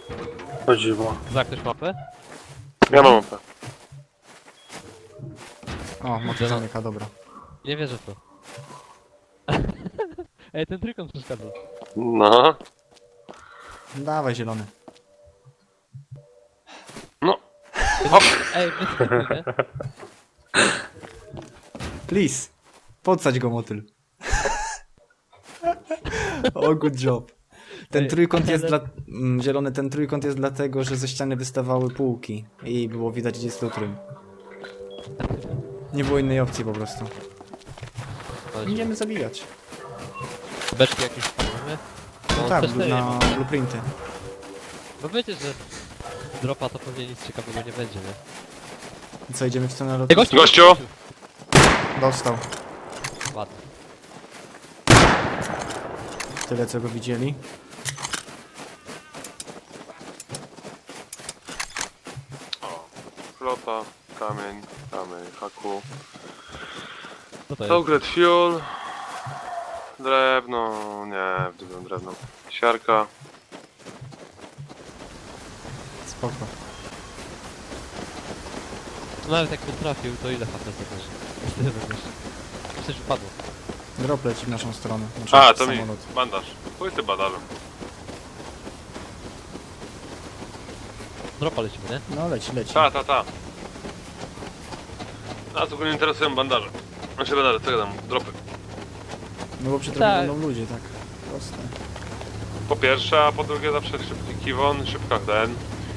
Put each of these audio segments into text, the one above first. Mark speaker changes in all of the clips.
Speaker 1: Chodziło.
Speaker 2: Za ktoś mapę?
Speaker 3: Ja mam mapę.
Speaker 4: O, motyl zamyka, dobra.
Speaker 2: Nie wierzę w to. Ej, ten trójkąt przeszkadza.
Speaker 3: No.
Speaker 4: Dawaj zielony.
Speaker 2: Ej, bez nie?
Speaker 4: Please. Podsadź go motyl. O, good job. Ten
Speaker 2: Ej,
Speaker 4: trójkąt jest
Speaker 2: ale-
Speaker 4: dla... Zielony, ten trójkąt jest dlatego, że ze ściany wystawały półki. I było widać, gdzie jest lutrym. Nie było innej opcji po prostu. Idziemy zabijać.
Speaker 2: Beczki jakieś wpadły?
Speaker 4: No tak, na blueprinty.
Speaker 2: Bo wiecie, że dropa to pewnie nic ciekawego nie będzie, nie?
Speaker 4: I co, idziemy w stronę lotu?
Speaker 2: Ej, gościu!
Speaker 3: Gościu!
Speaker 4: Dostał.
Speaker 2: Ładnie.
Speaker 4: Tyle, co go widzieli.
Speaker 3: O. Flota, kamień, haku.
Speaker 2: Co to jest?
Speaker 3: Togret fuel. Drewno, nie, wdybiam drewno. Siarka.
Speaker 4: Spoko.
Speaker 2: No nawet jakby trafił, to ile HP zadarzy? Tyle będziesz. Coś wypadło.
Speaker 4: Drop leci w naszą stronę. Znaczy,
Speaker 3: A, to mi
Speaker 4: samolot.
Speaker 3: bandaż. Pójdź ty badażem.
Speaker 2: Dropa lecimy, nie?
Speaker 4: No leci, leci.
Speaker 3: Ta. Nas ogólnie interesują bandaże. Znaczy bandaże, co ja dam? Dropy.
Speaker 4: No bo przy drogie
Speaker 2: Tak.
Speaker 4: będą ludzie, tak. Proste.
Speaker 3: Po pierwsze, a po drugie zawsze szybki kiwon, szybka ten.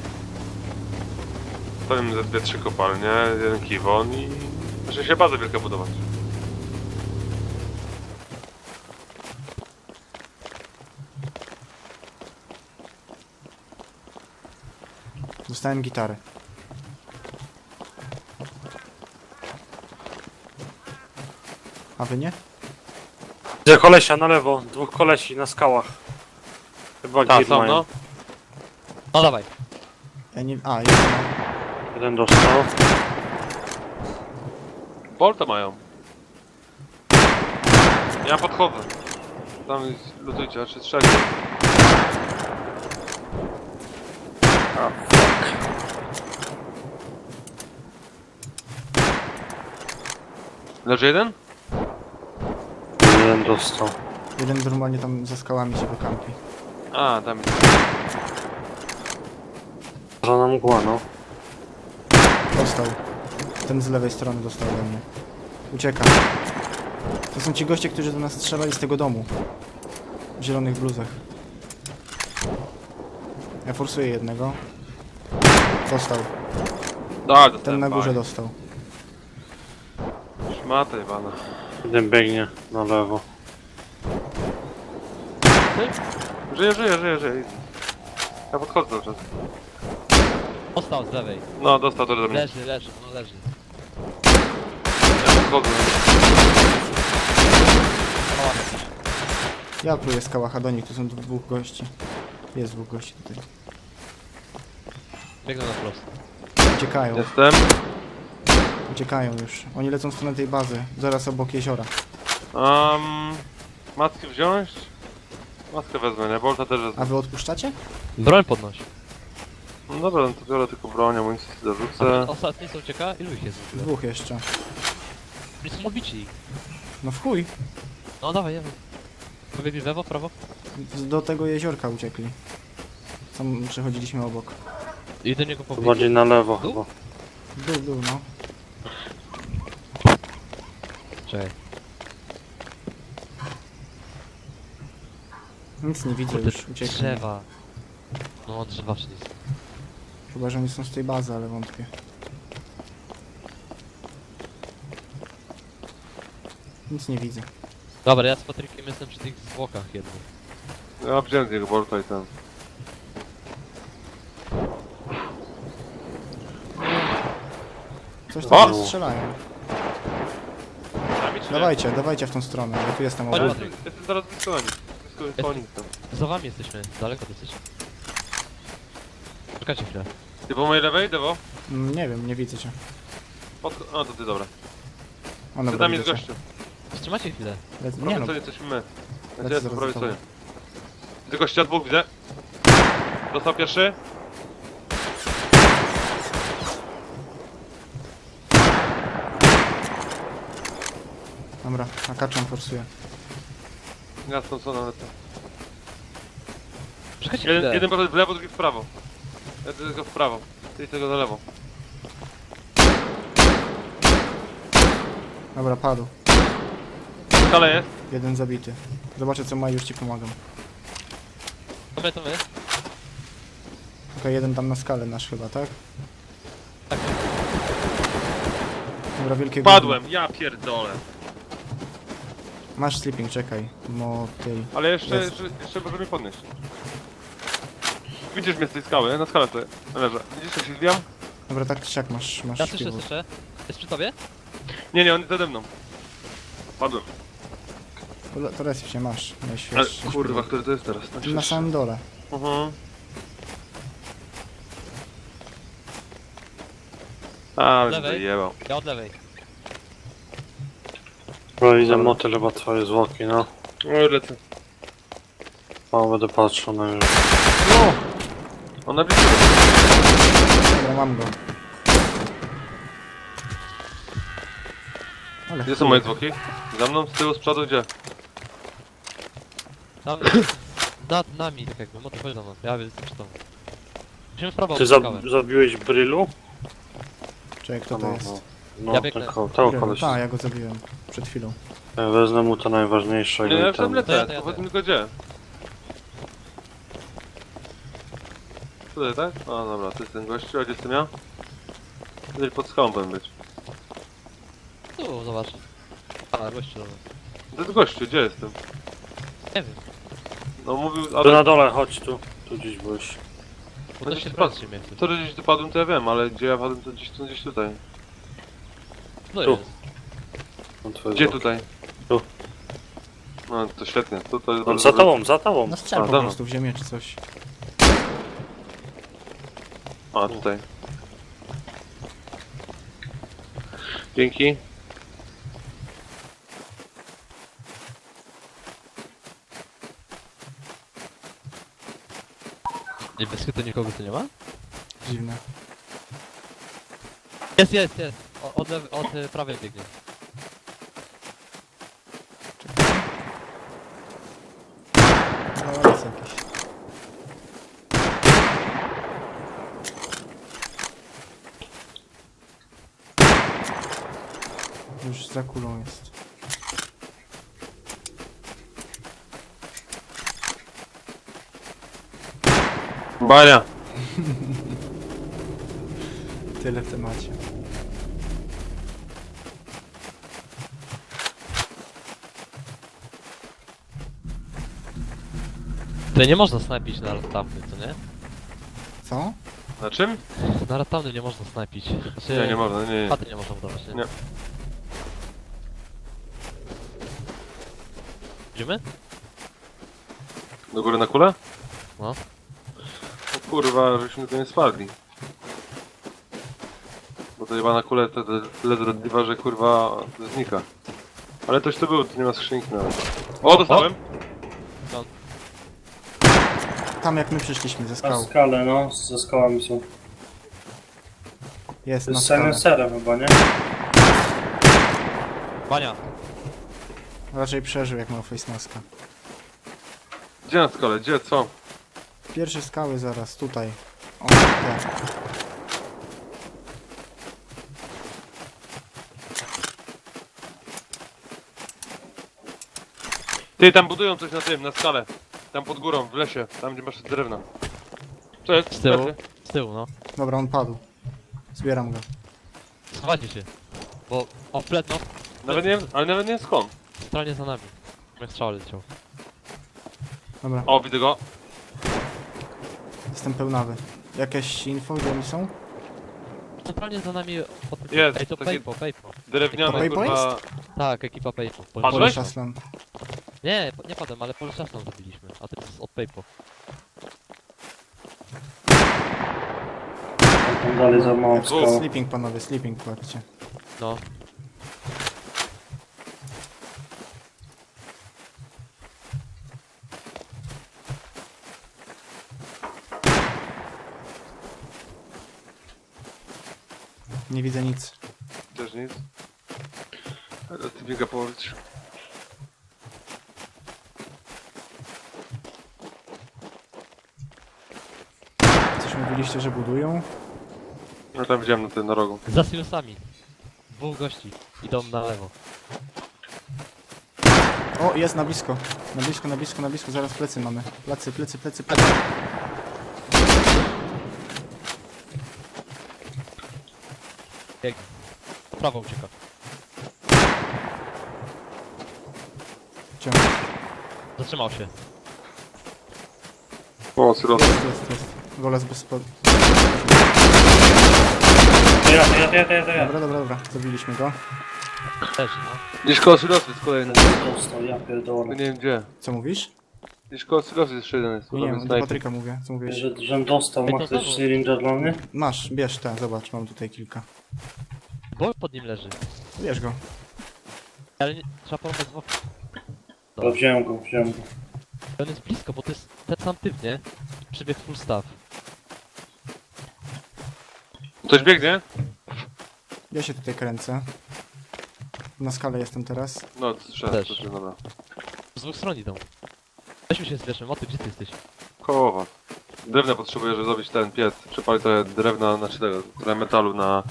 Speaker 3: Powiem ze 2-3 kopalnie, jeden kiwon i... Może się bazę wielka budować.
Speaker 4: Dostałem gitarę. A wy nie?
Speaker 1: Widzę kolesia na lewo, dwóch kolesi na skałach. Chyba
Speaker 3: Tak,
Speaker 1: git
Speaker 3: są
Speaker 1: mają.
Speaker 3: no.
Speaker 2: No dawaj.
Speaker 4: Ja nie... A, jest.
Speaker 1: Jeden dostał.
Speaker 3: Bolta mają. Ja podchodzę. Tam lutujcie, znaczy strzelcie. Leży jeden?
Speaker 1: Jeden dostał.
Speaker 4: Jeden normalnie tam za skałami się wykampi.
Speaker 3: A, tam jest.
Speaker 1: Żona mgła, no.
Speaker 4: Dostał. Ten z lewej strony dostał ode mnie. Ucieka. To są ci goście, którzy do nas strzelali z tego domu. W zielonych bluzach. Ja forsuję jednego. Dostał.
Speaker 3: Tak,
Speaker 4: Ten na górze dostał.
Speaker 3: Szmata jebana.
Speaker 1: Jeden biegnie na lewo.
Speaker 3: Żyje. Ja podchodzę cały czas.
Speaker 2: Dostał z lewej.
Speaker 3: No, dostał to do mnie.
Speaker 2: Leży, no leży.
Speaker 3: Ja podchodzę.
Speaker 4: Ja pluję z kałacha do nich, tu są dwóch gości. Jest dwóch gości tutaj.
Speaker 2: Biegnę na prosto.
Speaker 4: Uciekają,
Speaker 3: Jestem.
Speaker 4: uciekają już. Oni lecą w stronę tej bazy, zaraz obok jeziora.
Speaker 3: Maskę wziąć? Maskę wezmę, nie? Bolta też wezmę.
Speaker 4: A wy odpuszczacie?
Speaker 2: Broń podnoś.
Speaker 3: No dobra, no to biorę tylko broń, amunicję dorzucę.
Speaker 2: Ostatni co ucieka? Ilu ich jest w ogóle?
Speaker 4: Dwóch jeszcze.
Speaker 2: Nie są obici.
Speaker 4: No w chuj.
Speaker 2: No dawaj. Pobiegli w lewo, prawo?
Speaker 4: Do tego jeziorka uciekli. Tam przechodziliśmy obok.
Speaker 2: I do niego
Speaker 1: To
Speaker 2: pobiegli.
Speaker 1: bardziej na lewo
Speaker 2: Tu?
Speaker 1: chyba.
Speaker 4: W dół, no.
Speaker 2: Czekaj.
Speaker 4: Nic nie widzę
Speaker 2: Kurde,
Speaker 4: już, uciekli.
Speaker 2: drzewa. No drzewa wszędzie są.
Speaker 4: Chyba, że oni są z tej bazy, ale wątpię. Nic nie widzę.
Speaker 2: Dobra, ja z Patrykiem jestem przy tych zwłokach jednych.
Speaker 3: Ja wziąłem tego bolta i ten.
Speaker 4: Coś
Speaker 3: O!
Speaker 4: tam strzelają.
Speaker 3: Sami czy nie?
Speaker 4: Dawajcie, dawajcie w tą stronę, ja tu jestem
Speaker 2: Chodź,
Speaker 4: obok.
Speaker 2: Patryk.
Speaker 3: Jestem zaraz blisko na nich. Blisko po nich tam.
Speaker 2: Za wami jesteśmy. Daleko dosyć. Czekajcie chwilę.
Speaker 3: Ty po mojej lewej, Dewo?
Speaker 4: Nie wiem, nie widzę cię.
Speaker 3: O, to ty, dobra.
Speaker 4: O,
Speaker 3: Ty
Speaker 4: dobra,
Speaker 3: tam jest
Speaker 4: widzę cię.
Speaker 3: gościu.
Speaker 2: Wstrzymajcie chwilę.
Speaker 4: Nie
Speaker 3: Po
Speaker 4: no,
Speaker 3: prawej stronie jesteśmy my.
Speaker 4: Lecę
Speaker 3: Ja jestem po
Speaker 4: zaraz
Speaker 3: prawej
Speaker 4: za tobą.
Speaker 3: stronie. Widzę gościa, dwóch widzę. Dostał pierwszy.
Speaker 4: Dobra, nakaczam, forsuję.
Speaker 3: Jasną co na lecę.
Speaker 2: Przechodźcie chwilę.
Speaker 3: Jeden poszedł w lewo, drugi w prawo. Jeden tylko w prawo. Ty tego za lewo.
Speaker 4: Dobra, padł.
Speaker 3: Skale jest.
Speaker 4: Jeden zabity. Zobaczę co ma i już ci pomagam.
Speaker 2: To my.
Speaker 4: Okej, jeden tam na skalę nasz chyba, tak?
Speaker 2: Tak.
Speaker 4: Dobra, wielkie
Speaker 3: Padłem, ja pierdolę.
Speaker 4: gówno. Masz sleeping, czekaj. Motyl.
Speaker 3: Ale jeszcze,
Speaker 4: Jest.
Speaker 3: jeszcze może mnie podnieść. Widzisz mnie z tej skały, nie? Na skalę tutaj leżę. Widzisz jak się zbijam?
Speaker 4: Dobra, tak czy siak masz
Speaker 2: Ja słyszę,
Speaker 4: śpiwór.
Speaker 2: słyszę. Jest przy tobie?
Speaker 3: Nie, on jest nade mną. Padłem.
Speaker 4: To res się masz,
Speaker 3: Ale
Speaker 4: najświeższy.
Speaker 3: kurwa, który to jest teraz?
Speaker 4: Na samym dole.
Speaker 3: A,
Speaker 2: Lewej.
Speaker 3: wyjebał.
Speaker 2: Ja od lewej.
Speaker 1: No idę motyl chyba twoje zwłoki, no.
Speaker 3: No lecę.
Speaker 1: O, będę patrzył na niego.
Speaker 3: On na blisko.
Speaker 4: Dobra, mam go. Ale
Speaker 3: Gdzie są moje zwłoki? Za mną, z tyłu, z przodu, gdzie?
Speaker 2: Tam, nad nami, tak jakby, motor chodź do nas, ja jestem przy tobą. Musimy w prawo
Speaker 1: Ty
Speaker 2: odskakać.
Speaker 1: zabiłeś Brylu?
Speaker 4: Czekaj, kto to jest?
Speaker 1: No,
Speaker 2: Ja biegnę.
Speaker 1: tego koleś.
Speaker 4: Tak, ja go zabiłem. Przed chwilą.
Speaker 1: Ja wezmę mu to najważniejsze
Speaker 3: Nie, ja
Speaker 1: i
Speaker 3: już tam
Speaker 1: tam...
Speaker 3: lecę,
Speaker 2: To ja.
Speaker 3: powiedz mi tylko gdzie. Tutaj, tak? A dobra, to jest ten gościu, a gdzie jestem ja? Tutaj pod skałą powinien być.
Speaker 2: Tu, zobacz. A, gościu, dobra.
Speaker 3: To jest gościu, gdzie jestem?
Speaker 2: Nie wiem,
Speaker 3: No mówił,
Speaker 1: Tu
Speaker 3: ale...
Speaker 1: na dole, chodź tu. Tu gdzieś byłeś.
Speaker 2: bo to
Speaker 3: Gdzieś
Speaker 2: się
Speaker 3: tu
Speaker 2: patrzy mnie.
Speaker 3: To, że gdzieś tu padłem, to ja wiem, ale gdzie ja padłem, to gdzieś tutaj.
Speaker 2: No
Speaker 1: Tu.
Speaker 2: jest.
Speaker 1: No, twoje
Speaker 3: Gdzie
Speaker 1: zwłoki.
Speaker 3: tutaj?
Speaker 1: Tu.
Speaker 3: No to świetnie, to jest
Speaker 1: No,
Speaker 3: bardzo
Speaker 1: za
Speaker 3: dobre.
Speaker 1: tobą, za tobą.
Speaker 4: No strzel
Speaker 3: A,
Speaker 4: po
Speaker 3: dobra.
Speaker 4: prostu w ziemię czy coś.
Speaker 3: A, tutaj. Dzięki.
Speaker 2: Nie, bez chytu nikogo tu nie ma?
Speaker 4: Dziwne.
Speaker 2: Jest. Od prawej biegnie.
Speaker 4: No jest jakiś. Już za kulą jest.
Speaker 3: Bania.
Speaker 4: Tyle w temacie.
Speaker 2: Tutaj nie można snajpić na ratowny, co nie?
Speaker 4: Co?
Speaker 3: Na czym?
Speaker 2: Na ratowny nie można snajpić. Znaczy,
Speaker 3: Nie, nie można, nie.
Speaker 2: Paty nie można budować, nie?
Speaker 3: Nie.
Speaker 2: Idziemy?
Speaker 3: Do góry na kulę?
Speaker 2: No.
Speaker 3: O kurwa, żeśmy to nie spadli. Bo to chyba na kulę tyle zdradliwa, że kurwa znika. Ale coś tu było, tu nie ma skrzynki nawet. O, dostałem!
Speaker 4: Tam jak my przyszliśmy ze
Speaker 1: Na
Speaker 4: skał.
Speaker 1: skalę, no. Ze skałami są.
Speaker 4: Jest
Speaker 1: To
Speaker 4: na
Speaker 1: jest
Speaker 4: skale.
Speaker 1: silencerem chyba, nie?
Speaker 2: Bania!
Speaker 4: Raczej przeżył jak miał face maska.
Speaker 3: Gdzie na skale? Gdzie? Co?
Speaker 4: Pierwsze skały zaraz, tutaj. O, te.
Speaker 3: Ty, tam budują coś na tym, na skale. Tam pod górą, w lesie, tam gdzie masz drewna. Co jest?
Speaker 2: Z tyłu.
Speaker 3: Leży.
Speaker 2: Z tyłu, no.
Speaker 4: Dobra, on padł. Zbieram go.
Speaker 2: Schowajcie się. Bo... O, flet, no.
Speaker 3: Nawet nie wiem, ale nawet nie wiem skąd.
Speaker 2: Centralnie za nami. Jak strzał leciał.
Speaker 4: Dobra,
Speaker 3: O, widzę go.
Speaker 4: jestem pełnawy. Jakieś info, gdzie oni są?
Speaker 2: Centralnie za nami...
Speaker 3: Jest,
Speaker 2: Ej, to
Speaker 3: taki-
Speaker 2: Paypo.
Speaker 3: Drewniany,
Speaker 4: To Paypo
Speaker 3: kurwa.
Speaker 2: Tak, ekipa Paypo.
Speaker 3: Padłeś?
Speaker 4: Pole Szaslan.
Speaker 2: Nie, nie padłem, ale Polszasną zabiliśmy. A to jest od Paypo.
Speaker 1: Tam dalej za małą
Speaker 3: Dwóch.
Speaker 1: skałą.
Speaker 4: Sleeping panowie, sleeping kładźcie.
Speaker 2: No.
Speaker 4: Nie widzę nic.
Speaker 3: Też nic. Ale ty biega połowić.
Speaker 4: Coś mówiliście, że budują?
Speaker 3: No tam widziałem na tym na rogu.
Speaker 2: Za silosami. Dwóch gości. Idą na lewo.
Speaker 4: O, jest na blisko. Na blisko. Zaraz plecy mamy. Plecy.
Speaker 2: Jak... Po prawo ucieka.
Speaker 4: Ciągle.
Speaker 2: Zatrzymał się.
Speaker 3: O, sylot.
Speaker 4: Jest. Goles bez spod...
Speaker 1: Ja.
Speaker 4: Dobra. Zabiliśmy go.
Speaker 2: Też, no.
Speaker 3: Gdzieś koło sylosu jest kolejny.
Speaker 1: Dostał, ja pierdolę.
Speaker 3: Nie wiem gdzie.
Speaker 4: Co mówisz?
Speaker 3: Gdzieś koło sylosu jest jeszcze jeden. Jest.
Speaker 4: Nie
Speaker 3: Tam
Speaker 4: wiem,
Speaker 3: jest
Speaker 4: do
Speaker 3: snajper.
Speaker 4: Patryka mówię. Co mówiłeś?
Speaker 1: Że dostał,
Speaker 2: Ej,
Speaker 1: ma
Speaker 2: to
Speaker 1: ktoś
Speaker 2: znowu.
Speaker 1: syringa dla mnie?
Speaker 4: Masz, bierz te, zobacz, mam tutaj kilka.
Speaker 2: Bo pod nim leży.
Speaker 4: Bierz go.
Speaker 2: Ale nie... trzeba porwać w okno.
Speaker 1: No, wziąłem go.
Speaker 2: On jest blisko, bo to jest ten sam typ, nie? Przybiegł full staff.
Speaker 3: Ktoś biegnie?
Speaker 4: Ja się tutaj kręcę. Na skale jestem teraz.
Speaker 3: No,
Speaker 2: Też.
Speaker 3: to dobra.
Speaker 2: Z dwóch stron idą. Weźmy się zbierzmy. Moty, gdzie ty jesteś?
Speaker 3: Koło was. Drewna potrzebuję, żeby zrobić ten piec. Przepalić trochę drewna, znaczy tego, trochę metalu na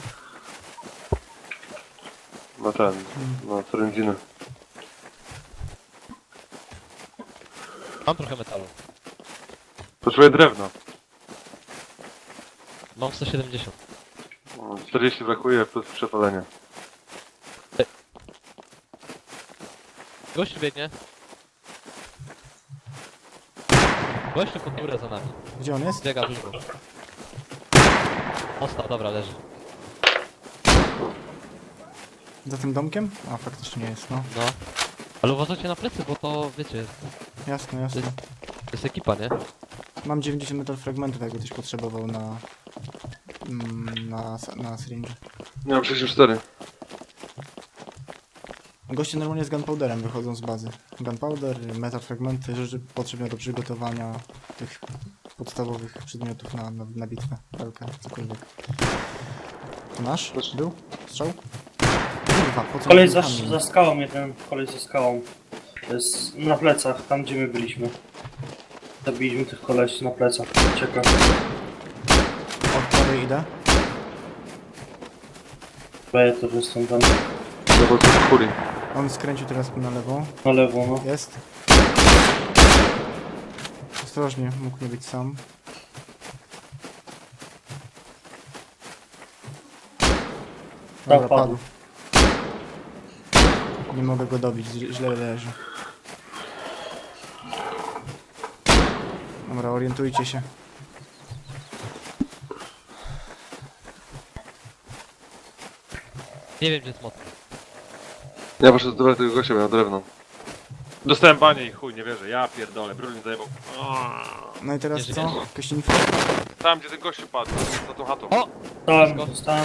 Speaker 3: na trędziny.
Speaker 2: Mam trochę metalu.
Speaker 3: Potrzebuję drewna.
Speaker 2: Mam 170.
Speaker 3: 40 brakuje plus przepalenie.
Speaker 2: Gościu biegnie. Gościu pod górę za nami.
Speaker 4: Gdzie on jest?
Speaker 2: Biega dużo. Ostał, dobra, leży.
Speaker 4: Za tym domkiem? A, faktycznie jest, no.
Speaker 2: No. Ale uważajcie na plecy, bo to, wiecie,
Speaker 4: Jasne.
Speaker 2: to jest ekipa, nie?
Speaker 4: Mam 90 metal fragmentów, jakby ktoś potrzebował na... na syringe.
Speaker 3: Nie mam 64.
Speaker 4: Goście normalnie z gunpowderem wychodzą z bazy. Gunpowder, metal fragmenty, rzeczy potrzebne do przygotowania tych podstawowych przedmiotów na bitwę, walkę, cokolwiek. To nasz? Był? Strzał? Kurwa, po co
Speaker 1: Kolej
Speaker 4: mi
Speaker 1: za,
Speaker 4: kamień?
Speaker 1: za skałą jeden, kolej za skałą. To jest na plecach, tam gdzie my byliśmy. Zabiliśmy tych kolesi na plecach. Czekam.
Speaker 4: Od prawej idę.
Speaker 1: Ja też jestem tam
Speaker 3: No bo to kuli.
Speaker 4: On skręcił teraz na lewo.
Speaker 1: na lewo, no.
Speaker 4: Jest. Ostrożnie, mógł nie być sam. Dobra,
Speaker 1: padł.
Speaker 4: Nie mogę go dobić, źle leży. Dobra, orientujcie się.
Speaker 2: Nie wiem, gdzie jest motor.
Speaker 3: Ja poszedłem do tego gościa, miał drewno. Dostałem banie i chuj, nie wierzę. Ja pierdolę, brudny zajebał.
Speaker 4: No i teraz
Speaker 2: Nie
Speaker 4: co?
Speaker 2: żyjesz?
Speaker 4: Jakieś info?
Speaker 3: Tam gdzie ten gościu padł, za tą chatą.
Speaker 2: O!
Speaker 1: Dostałem.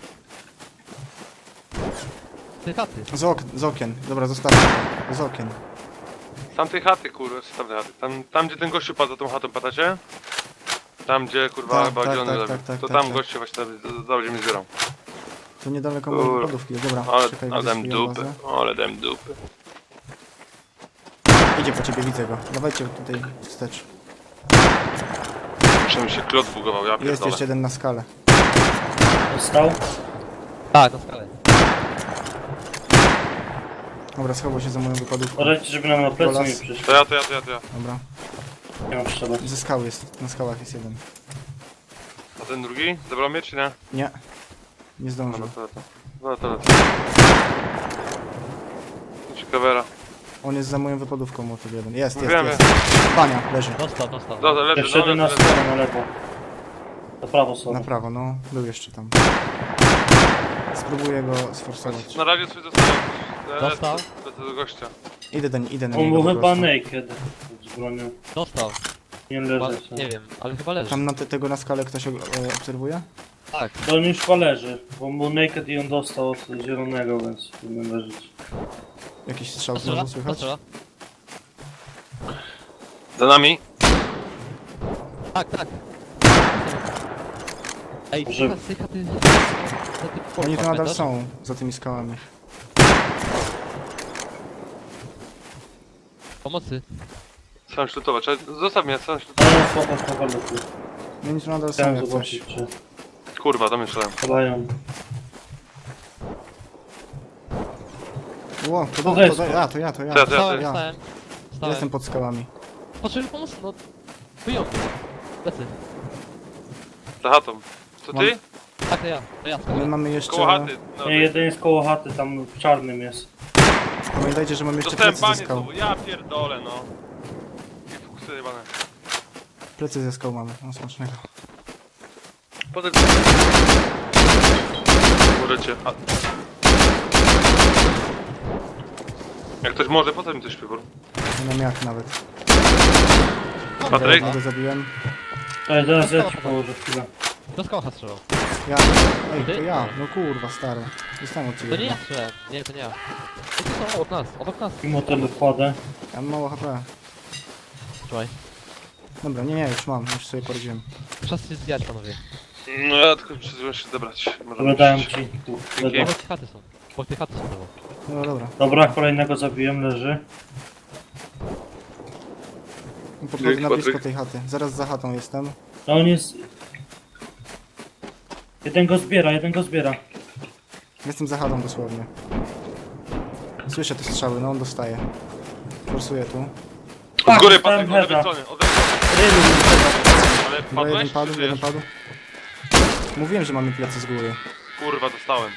Speaker 2: Ty chaty.
Speaker 4: Z okien. Dobra, zostawmy to. Z okien.
Speaker 3: Z tamtej chaty, kurwa, z tamtej chaty. Tam gdzie ten gościu padł za tą chatą, pamiętacie? Tam gdzie kurwa
Speaker 4: Tak,
Speaker 3: chyba
Speaker 4: tak,
Speaker 3: zielony
Speaker 4: tak,
Speaker 3: lewy.
Speaker 4: tak,
Speaker 3: To
Speaker 4: tak,
Speaker 3: tam
Speaker 4: tak.
Speaker 3: gościu właśnie będzie mi zbierał.
Speaker 4: To niedaleko
Speaker 3: Kur-
Speaker 4: mojej lodówki. Dobra,
Speaker 3: Ale
Speaker 4: czekaj,
Speaker 3: dałem
Speaker 4: widzę swoją
Speaker 3: dupy,
Speaker 4: bazę.
Speaker 3: ale dałem dupy.
Speaker 4: Idzie po ciebie, widzę go. Dawajcie tutaj wstecz.
Speaker 3: Muszę mi się klot bugował, ja
Speaker 4: Jest
Speaker 3: pierdolę.
Speaker 4: jeszcze jeden na skalę.
Speaker 1: Dostał.
Speaker 2: Tak, na skalę.
Speaker 4: Dobra, schował się za moją wypadówką.
Speaker 1: Uważajcie, żeby nam na plecy
Speaker 4: Golas.
Speaker 1: nie przyszło.
Speaker 3: To ja.
Speaker 4: Dobra.
Speaker 1: Nie mam strzelać.
Speaker 4: Ze skały jest, na skałach jest jeden.
Speaker 3: A ten drugi? Zabrał mnie czy nie?
Speaker 4: Nie. Nie
Speaker 3: No
Speaker 4: zdążył.
Speaker 3: to lecę. No to lecę. Ciekawera.
Speaker 4: On jest za moją wypadówką, motyw jeden. Jest.
Speaker 3: Wiem,
Speaker 4: Pania, leży.
Speaker 2: Dostał.
Speaker 3: Dobra, leży,
Speaker 1: Jeszcze jeden na
Speaker 3: leży.
Speaker 1: stronę, na lewo. Na prawo sobie.
Speaker 4: Na prawo, no. Był jeszcze tam. Spróbuję go sforsować.
Speaker 3: Na razie swój zostawiam.
Speaker 2: Dostał?
Speaker 3: Lecę do gościa.
Speaker 4: Idę na
Speaker 1: On
Speaker 4: niego
Speaker 1: był
Speaker 4: po
Speaker 1: chyba
Speaker 4: prostu.
Speaker 1: naked. Z bronią.
Speaker 2: Dostał.
Speaker 1: Nie
Speaker 2: Chyba,
Speaker 1: leży.
Speaker 2: nie wiem, ale chyba leży.
Speaker 4: Tam na tego na skale ktoś obserwuje?
Speaker 2: Tak.
Speaker 1: To on już chyba leży. Bo on był naked i on dostał od zielonego, więc powinien leżeć.
Speaker 4: Jakiś strzał
Speaker 2: Postrzela?
Speaker 4: znowu słychać?
Speaker 2: Postrzela?
Speaker 3: Za nami?
Speaker 2: Tak. Ej,
Speaker 1: Że-
Speaker 2: z tej chaty...
Speaker 4: Oni tu nadal są, za tymi skałami.
Speaker 2: Pomocy.
Speaker 3: Sam szlutować, zostaw mnie, sam szlutować.
Speaker 1: Ale słabo tu.
Speaker 4: Oni tu nadal są
Speaker 1: Chciałem
Speaker 4: jak coś.
Speaker 1: zobaczyć, czy
Speaker 3: Kurwa, do mnie strzelałem.
Speaker 1: padają.
Speaker 4: Ło,
Speaker 1: To
Speaker 4: to
Speaker 1: jest-
Speaker 4: ja, to ja.
Speaker 3: Co ja,
Speaker 2: Stałem,
Speaker 4: ja.
Speaker 2: stałem. Stałem.
Speaker 4: Jestem pod skałami.
Speaker 2: Potrzebuję pomocy, no. Wyjął. Plecy.
Speaker 3: Za chatą. Co ty?
Speaker 2: Tak, to ja.
Speaker 4: My mamy jeszcze...
Speaker 3: Koło chaty. No,
Speaker 1: Nie, jeden jest koło chaty, tam w czarnym jest.
Speaker 4: Pamiętajcie, że mamy jeszcze
Speaker 3: dostałem
Speaker 4: plecy ze
Speaker 3: panie
Speaker 4: skał.
Speaker 3: znowu, ja pierdolę no. I fuksy jebane.
Speaker 4: Plecy ze skał mamy, no smacznego.
Speaker 3: Potem... Możecie. Jak ktoś może, potem mi coś wybór.
Speaker 4: Nie mam jak nawet.
Speaker 3: Patryk?
Speaker 4: Jednego zabiłem.
Speaker 1: Ale zaraz ja ci położę chwilę.
Speaker 2: Do skocha strzelał.
Speaker 4: Ja. Ej, to ja. No kurwa, stary. Dostałem od
Speaker 2: To
Speaker 4: ciebie.
Speaker 2: nie ja strzelałem. Nie, to nie ja. Ej, to są obok nas.
Speaker 1: I motel wkładę.
Speaker 4: Ja mam mało HP.
Speaker 2: Trzymaj.
Speaker 4: Dobra, nie, już mam, już sobie poradziłem.
Speaker 2: Czas się zbijać, panowie.
Speaker 3: No ja tylko przyzwyczaiłem się zebrać.
Speaker 1: Dobra, dałem ci tu.
Speaker 3: Dzięki.
Speaker 2: Obok tej chaty są. Obok tej chaty są znowu.
Speaker 4: No dobra.
Speaker 1: Dobra, kolejnego zabiłem, leży.
Speaker 4: Podchodzę
Speaker 3: Dzięki,
Speaker 4: na blisko
Speaker 3: Patryk.
Speaker 4: tej chaty. Zaraz za chatą jestem.
Speaker 1: No on jest... Jeden go zbiera.
Speaker 4: Jestem za chatą dosłownie. Słyszę te strzały, no on dostaje. Forsuję tu.
Speaker 3: Od góry
Speaker 1: dostałem
Speaker 3: Patryk, od lewej
Speaker 1: heada.
Speaker 3: strony, od lewej
Speaker 1: Rylu mi chyba.
Speaker 3: Ale
Speaker 4: Dobra, jeden
Speaker 3: padłeś?
Speaker 4: padł,
Speaker 3: Czy
Speaker 4: jeden
Speaker 3: żyjesz?
Speaker 4: padł. Mówiłem, że mamy plecy z góry.
Speaker 3: Kurwa, dostałem.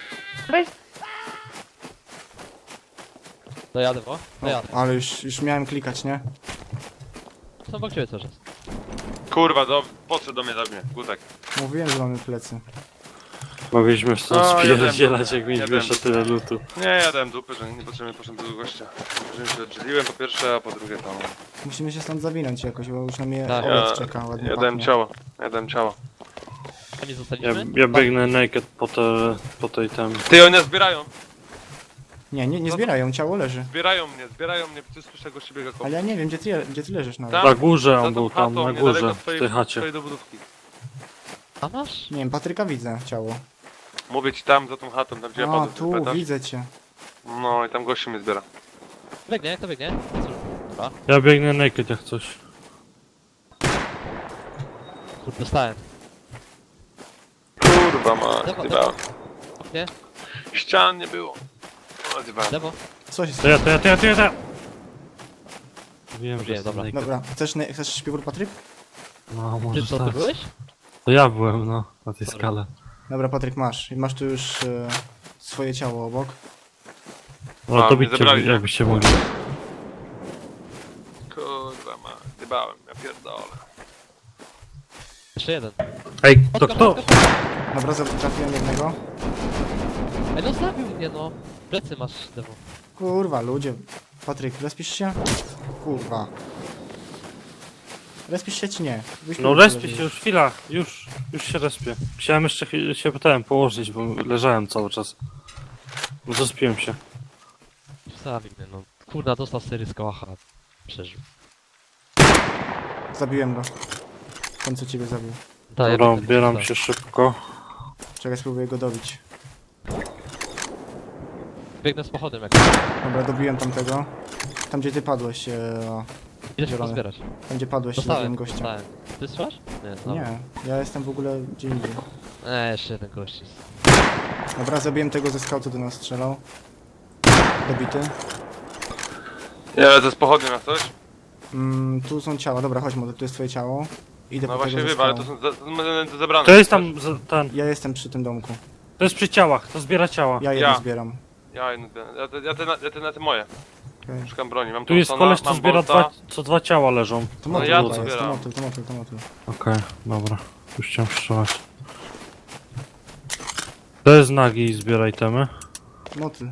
Speaker 2: Dojadę, bo?
Speaker 4: O,
Speaker 2: Dojadę.
Speaker 4: ale już miałem klikać, nie?
Speaker 2: Są obok ciebie cały czas.
Speaker 3: Kurwa, podszedł do mnie, zabij mnie. Gutek.
Speaker 4: Mówiłem, że mamy plecy.
Speaker 5: Mogliśmy stąd
Speaker 3: No,
Speaker 5: spierdzielać, jak
Speaker 3: jadłem.
Speaker 5: mieliśmy jeszcze tyle lutu.
Speaker 3: Nie, ja dałem dupy, że niepotrzebnie poszedłem do gościa. Że się oddzieliłem po pierwsze, a po drugie tam.
Speaker 4: Musimy się stąd zawinąć jakoś, bo już na mnie
Speaker 2: Tak.
Speaker 4: obiad czeka, ładnie
Speaker 3: Ja dałem
Speaker 4: pachnie.
Speaker 3: ciało. Ja dałem ciało.
Speaker 2: A nie
Speaker 5: Ja,
Speaker 2: zostaliśmy?
Speaker 5: ja biegnę naked po tej tam.
Speaker 3: Ty, oni nas zbierają.
Speaker 4: Nie zbierają, ciało leży.
Speaker 3: Zbierają mnie, ty słyszę gości biega koło.
Speaker 4: Ale ja nie wiem, gdzie ty leżysz nawet.
Speaker 3: Tam?
Speaker 5: Na górze
Speaker 3: Za
Speaker 5: on
Speaker 3: tą
Speaker 5: był tam,
Speaker 3: chatą,
Speaker 5: na
Speaker 3: niedaleko
Speaker 5: górze, w tej chacie.
Speaker 3: twojej dobudówki.
Speaker 2: A masz?
Speaker 4: Nie wiem, Patryka widzę, ciało.
Speaker 3: Mówię ci tam, za tą chatą, tam gdzie ja
Speaker 4: A,
Speaker 3: padłem.
Speaker 4: tu,
Speaker 3: pamiętasz?
Speaker 4: widzę cię.
Speaker 3: No i tam gości mnie zbiera.
Speaker 2: Biegnie, kto biegnie? Dobra.
Speaker 5: Ja biegnę naked jak coś.
Speaker 2: Kurde, dostałem.
Speaker 3: Kurwa ma,
Speaker 2: Lewo,
Speaker 3: zjebałem.
Speaker 2: Nie?
Speaker 3: Ścian nie było. No, zjebałem.
Speaker 2: Lewo.
Speaker 4: Co się
Speaker 5: To
Speaker 4: stało?
Speaker 5: ja. Wiem, że
Speaker 2: Wiem,
Speaker 5: jestem
Speaker 2: dobra.
Speaker 5: naked.
Speaker 4: Dobra, chcesz śpiwór, Patryk?
Speaker 5: No,
Speaker 2: Ty
Speaker 5: może
Speaker 2: co, ty
Speaker 5: tak.
Speaker 2: byłeś?
Speaker 5: To ja byłem, no, na tej skale.
Speaker 4: Dobra, Patryk, masz. I masz tu już swoje ciało obok.
Speaker 5: No
Speaker 3: A,
Speaker 5: to
Speaker 3: mnie
Speaker 5: bicie,
Speaker 3: zebrali, nie?
Speaker 5: jakbyście mogli.
Speaker 3: Kurwa ma, zjebałem, ja pierdolę.
Speaker 2: Jeszcze jeden.
Speaker 5: Ej, to kto?
Speaker 4: Dobra, trafiłem jednego.
Speaker 2: Ej, no zabił mnie, no. Plecy masz, lewo.
Speaker 4: Kurwa, ludzie. Patryk, respisz się? Kurwa. Respisz się czy nie? Byś
Speaker 5: No
Speaker 4: tu
Speaker 5: respię
Speaker 4: leżysz.
Speaker 5: się, już chwila, już się respię. Chciałem jeszcze się pytałem położyć, bo leżałem cały czas. No to spiłem się.
Speaker 2: Zabił mnie, no. Kurna, dostał sery z kołacha. Przeżył.
Speaker 4: Zabiłem go. Ten co ciebie zabił.
Speaker 2: Daję
Speaker 5: Dobra,
Speaker 2: będę
Speaker 5: bieram
Speaker 2: dostał.
Speaker 5: się szybko.
Speaker 4: Czekaj, spróbuję go dobić.
Speaker 2: Biegnę z pochodem jak.
Speaker 4: Dobra, dobiłem tamtego. Tam gdzie ty padłeś,
Speaker 2: Idę się
Speaker 4: Zielony.
Speaker 2: pozbierać.
Speaker 4: tam gdzie padłeś, zabiłem gościa.
Speaker 2: dostałem. Ty strzelasz? Nie, dobra.
Speaker 4: Nie, ja jestem w ogóle gdzie indziej.
Speaker 2: Jeszcze jeden gość jest.
Speaker 4: Dobra, zabiłem tego ze skautu, do nas strzelał. Dobity.
Speaker 3: Ja lecę z pochodnią na coś?
Speaker 4: Tu są ciała, dobra, chodź, może tu jest twoje ciało. Idę
Speaker 3: No
Speaker 4: po
Speaker 3: właśnie
Speaker 4: tego ze
Speaker 3: wiem, ale to
Speaker 4: skałą.
Speaker 3: są zebrane.
Speaker 5: To jest tam, ten,
Speaker 4: Ja jestem przy tym domku.
Speaker 5: to jest przy ciałach, to zbiera ciała.
Speaker 4: Ja jedno
Speaker 3: Ja.
Speaker 4: zbieram.
Speaker 3: Ja te na te moje.
Speaker 4: Okay.
Speaker 3: Szukam broni, mam
Speaker 5: Tu jest
Speaker 3: Thompsona,
Speaker 5: koleś, co
Speaker 3: mam
Speaker 5: zbiera
Speaker 3: Bolta.
Speaker 5: co dwa ciała leżą.
Speaker 4: To
Speaker 3: No
Speaker 4: motyl
Speaker 3: ja
Speaker 4: chyba
Speaker 3: to
Speaker 4: jest, to
Speaker 3: zbieram.
Speaker 4: motyl, to motyl.
Speaker 5: Okej, dobra. Już chciałem strzelać. To jest nagi i zbieraj temy.
Speaker 4: Motyl.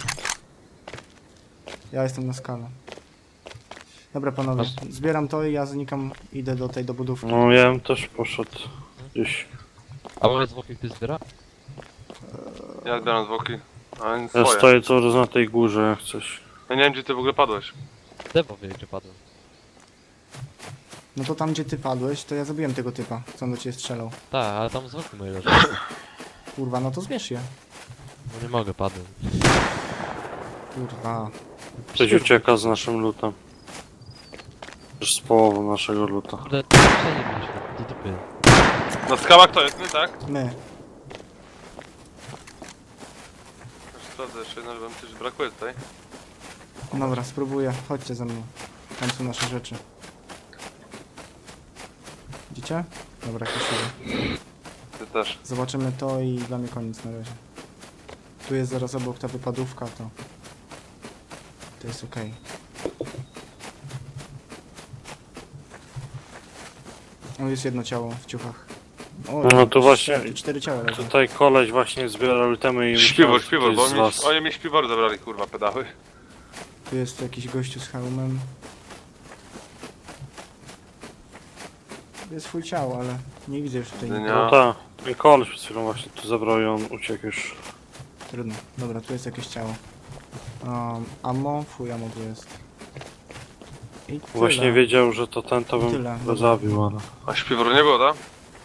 Speaker 4: Ja jestem na skale. Dobra panowie, zbieram to i ja znikam, idę do tej dobudówki.
Speaker 5: No ja bym też poszedł gdzieś.
Speaker 2: A może zwłoki ty zbiera?
Speaker 3: Ja zbieram zwłoki. A więc
Speaker 5: Ja
Speaker 3: swoje.
Speaker 5: stoję cały czas na tej górze jak coś.
Speaker 3: Ja nie wiem gdzie ty w ogóle padłeś.
Speaker 2: Lewo wie, gdzie padłem.
Speaker 4: No to tam gdzie ty padłeś, to ja zabiłem tego typa, co on do ciebie strzelał.
Speaker 2: Tak, ale tam zwłoki moje leżą.
Speaker 4: Kurwa, no to zbierz je.
Speaker 2: No nie mogę, padłem.
Speaker 4: Kurwa.
Speaker 5: Ktoś ucieka z naszym lutem. Już z połową naszego luta.
Speaker 2: Kurde, wszędzie byliśmy, do dupy.
Speaker 3: Na skałach to jest, my, tak?
Speaker 4: My.
Speaker 3: Już sprawdzę jeszcze jedno, żeby mi coś brakuje tutaj.
Speaker 4: Dobra, spróbuję. Chodźcie ze mną. Tam są nasze rzeczy. Widzicie? Dobra, kiszymy.
Speaker 3: Ty też.
Speaker 4: Zobaczymy to i dla mnie koniec na razie. Tu jest zaraz obok ta wypadówka, to... To jest okej. O, jest jedno ciało w ciuchach. O,
Speaker 5: No to właśnie-
Speaker 4: tu 4 ciała leżą.
Speaker 5: Tutaj koleś właśnie zbierał itemy i
Speaker 3: Śpiwór,
Speaker 5: myślałem,
Speaker 3: śpiwór,
Speaker 5: że
Speaker 3: bo
Speaker 5: to jest z was.
Speaker 3: oni mi śpiwór zabrali, kurwa, pedały.
Speaker 4: Tu jest jakiś gościu z hełmem. Tu jest full ciało, ale nie widzę już tutaj
Speaker 3: Nie.
Speaker 4: nikogo.
Speaker 5: No tak, ten koleś przed chwilą właśnie tu zabrał i on uciekł już.
Speaker 4: Trudno. Dobra, tu jest jakieś ciało. Ammo? Fuj, ammo tu jest. I tyle.
Speaker 5: Właśnie wiedział, że to ten to bym
Speaker 4: Tyle,
Speaker 5: go
Speaker 4: dobra.
Speaker 5: zabił, ale...
Speaker 3: A śpiworu nie było, tak?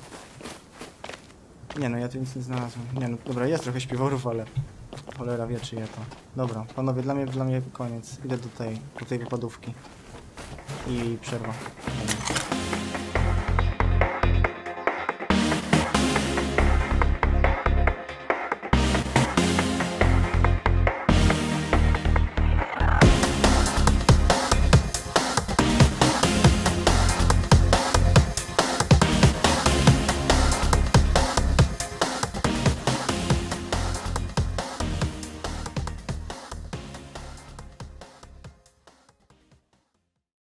Speaker 4: Nie no, ja tu nic nie znalazłem. Nie no, dobra, jest trochę śpiworów, ale... Cholera wie, czy je to. Dobra, panowie, dla mnie koniec. Idę do tej wypadówki. I przerwa. Dobra.